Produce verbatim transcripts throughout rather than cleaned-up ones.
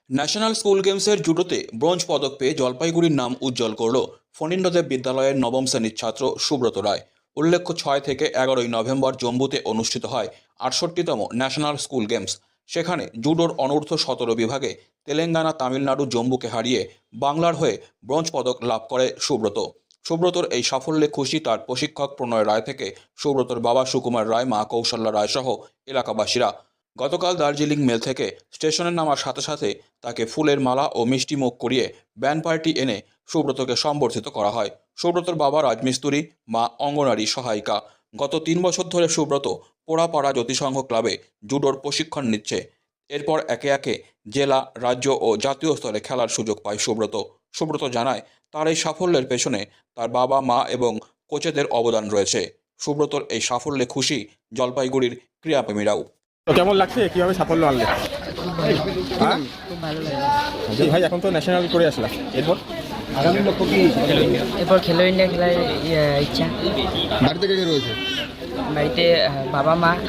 National school গেমসের জুডোতে bronze পদক পেয়ে জলপাইগুড়ির নাম উজ্জ্বল করল ফণীন্দ্রদেব বিদ্যালয়ের নবম শ্রেণীর ছাত্র সুব্রত রায়। উল্লেখ্য, ছয় থেকে এগারোই নভেম্বর জম্মুতে অনুষ্ঠিত হয় আটষট্টিতম ন্যাশনাল স্কুল গেমস। সেখানে জুডোর অনূর্ধ্ব সতেরো বিভাগে তেলেঙ্গানা, তামিলনাড়ু, জম্মুকে হারিয়ে বাংলার হয়ে ব্রোঞ্জ পদক লাভ করে সুব্রত। সুব্রতর এই সাফল্যে খুশি তার প্রশিক্ষক প্রণয় রায় থেকে সুব্রতর বাবা সুকুমার রায়, মা কৌশল্যা রায় সহ এলাকাবাসীরা। গতকাল দার্জিলিং মেল থেকে স্টেশনে নামার সাথে সাথে তাকে ফুলের মালা ও মিষ্টি মুখ করিয়ে ব্যান্ড পার্টি এনে সুব্রতকে সম্বর্ধিত করা হয়। সুব্রতর বাবা রাজমিস্ত্রি, মা অঙ্গনারী সহায়িকা। গত তিন বছর ধরে সুব্রত পোড়াপাড়া জ্যোতিসংঘ ক্লাবে জুডোর প্রশিক্ষণ নিচ্ছে। এরপর একে একে জেলা, রাজ্য ও জাতীয় স্তরে খেলার সুযোগ পায় সুব্রত। সুব্রত জানায়, তার এই সাফল্যের পেছনে তার বাবা, মা এবং কোচেদের অবদান রয়েছে। সুব্রতর এই সাফল্যে খুশি জলপাইগুড়ির ক্রীড়াপ্রেমীরাও। তো কেমন লাগছে, কিভাবে সাফল্য আনলে? হ্যাঁ, খুব ভালো লাগে। জি ভাই, এখন তো ন্যাশনাল করে আসলাম, এরপর আগামী লক্ষ্য কি? এরপর খেলো ইন্ডিয়া খেলার ইয়ে, ইচ্ছা। বাড়িতে কে কে রয়েছে? বাড়িতে আহ, বাবা, মা, আহ,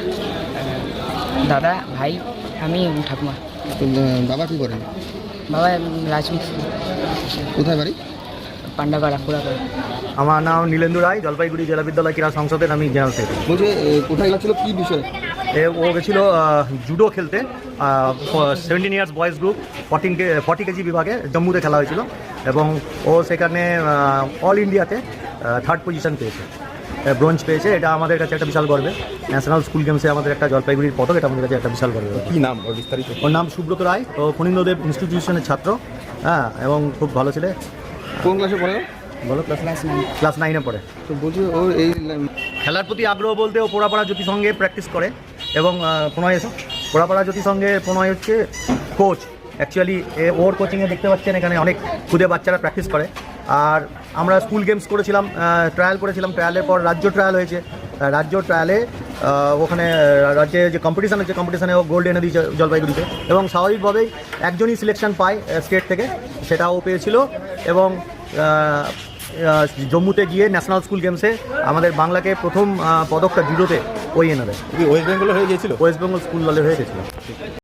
দাদা, ভাই, আমি এবং ঠাকুমা। তো, আহ, বাবা কি করেন? বাবা রাজমিস্ত্রি, কোথায় বাড়ি? পান্ডাপাড়া, পুরাপাড়া। আমার নাম নীলেন্দু রায়, জলপাইগুড়ি জেলা বিদ্যালয় ক্রীড়া সংসদের আমি জেনারেল সেক্রেটারি। বলছে এ, কোথায় গেছিল, কি বিষয়? এ ও গেছিলো জুডো খেলতে, seventeen years boys group fourteen কে ফর্টি কেজি বিভাগে জম্মুতে খেলা হয়েছিল এবং ও সেখানে অল ইন্ডিয়াতে থার্ড পজিশন পেয়েছে, ব্রোঞ্জ পেয়েছে। এটা আমাদের কাছে একটা বিশাল গর্বের। ন্যাশনাল স্কুল গেমসে আমাদের একটা জলপাইগুড়ির পদক, এটা আমাদের কাছে একটা বিশাল গর্বের। কি নাম ওর বিস্তারিত? ওর নাম সুব্রত রায়, ও ফণীন্দ্রদেব ইনস্টিটিউশনের ছাত্র। হ্যাঁ, এবং খুব ভালো ছেলে। কোন ক্লাসে পড়ে? ভালো ক্লাস ক্লাস নাইন। ক্লাস নাইনে পড়ে। তো বলছি ও এই খেলার প্রতি আগ্রহ বলতে ও পোড়াপাড়া জ্যোতিসংঘে প্র্যাকটিস করে এবং আহ, প্রণয় এসব পোড়াপাড়া জ্যোতিসংঘে প্রণয় হচ্ছে কোচ। অ্যাকচুয়ালি ওর কোচিংয়ে দেখতে পাচ্ছেন এখানে অনেক খুদে বাচ্চারা প্র্যাকটিস করে। আর আমরা স্কুল গেমস করেছিলাম, ট্রায়াল করেছিলাম, ট্রায়ালের পর রাজ্য ট্রায়াল হয়েছে। আহ, রাজ্য ট্রায়ালে ওখানে আহ, রাজ্যে যে কম্পিটিশান হচ্ছে, কম্পিটিশানে ও গোল্ড এনে দিয়েছে জলপাইগুড়িতে এবং স্বাভাবিকভাবেই একজনই সিলেকশন পায় স্টেট থেকে, সেটা ও পেয়েছিল। এবং আহ, আহ, জম্মুতে গিয়ে ন্যাশনাল স্কুল গেমসে আমাদের বাংলাকে প্রথম আহ, পদকটা জুডোতে ওই এনে দেয়। ওয়েস্ট বেঙ্গলে হয়ে গিয়েছিল? ওয়েস্ট বেঙ্গল স্কুল দলে হয়ে গেছিলো।